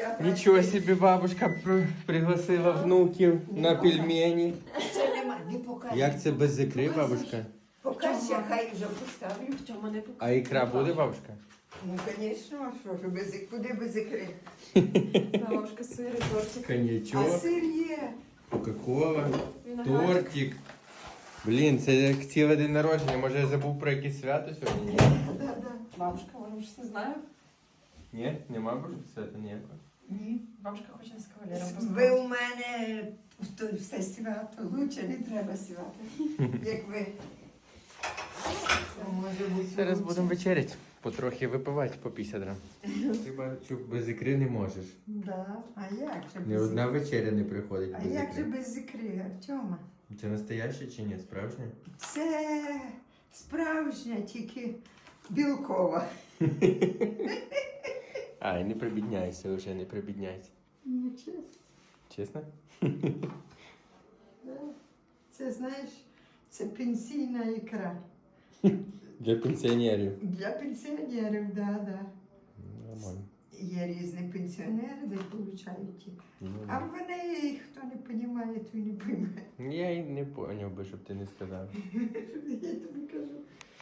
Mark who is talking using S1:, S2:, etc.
S1: свята.
S2: Нічого собі бабушка пригласила внуків на пельмені.
S1: Ще нема, не покажу.
S2: Як це без ікри, бабушка?
S1: Покажся, хай вже поставлю.
S3: Тьома не покажу.
S2: А ікра буде, бабушка?
S1: Ну, звісно, а що ж, куди без ікри?
S3: Бабушка, сир і тортик.
S1: А
S2: Коньячок,
S1: сир є.
S2: кока-кола,
S3: Виноградик.
S2: тортик. Блін, це як цілий день народження. Може я забув про якесь свято сьогодні? Ні?
S1: Да-да.
S3: Бабушка, може, щось не знаю.
S2: Ні? Нема боже свята ніякого?
S1: Ні.
S3: Бабушка хоче з кавалером
S1: Ви
S3: познайомитися.
S1: у мене все свято. Лучше не треба свято. Як ви. Це може бути.
S2: Зараз
S1: лучше.
S2: будемо вечеряти. Потрохи випивати по 50 грам. Ти бачу, без ікри не можеш.
S1: Да. А як же
S2: Ні
S1: без
S2: одна
S1: ікри?
S2: вечеря не приходить
S1: А
S2: без
S1: як же
S2: ікри.
S1: без ікри, Артема?
S2: Це настояще чи ні? Справжнє?
S1: Це справжня, тільки білкова.
S2: Ай, не прибідняйся вже, не прибідняйся.
S1: Ну, чесно.
S2: Чесно?
S1: Да. Це, знаєш, це пенсійна ікра.
S2: Для пенсіонерів.
S1: Для пенсіонерів, да.
S2: Нормально.
S1: Є різні пенсіонери, де получають ті.
S2: Ну,
S1: А вони, хто не розуміє, той не пойме.
S2: Я й не поняв би, щоб ти не сказав.
S1: Я тобі кажу.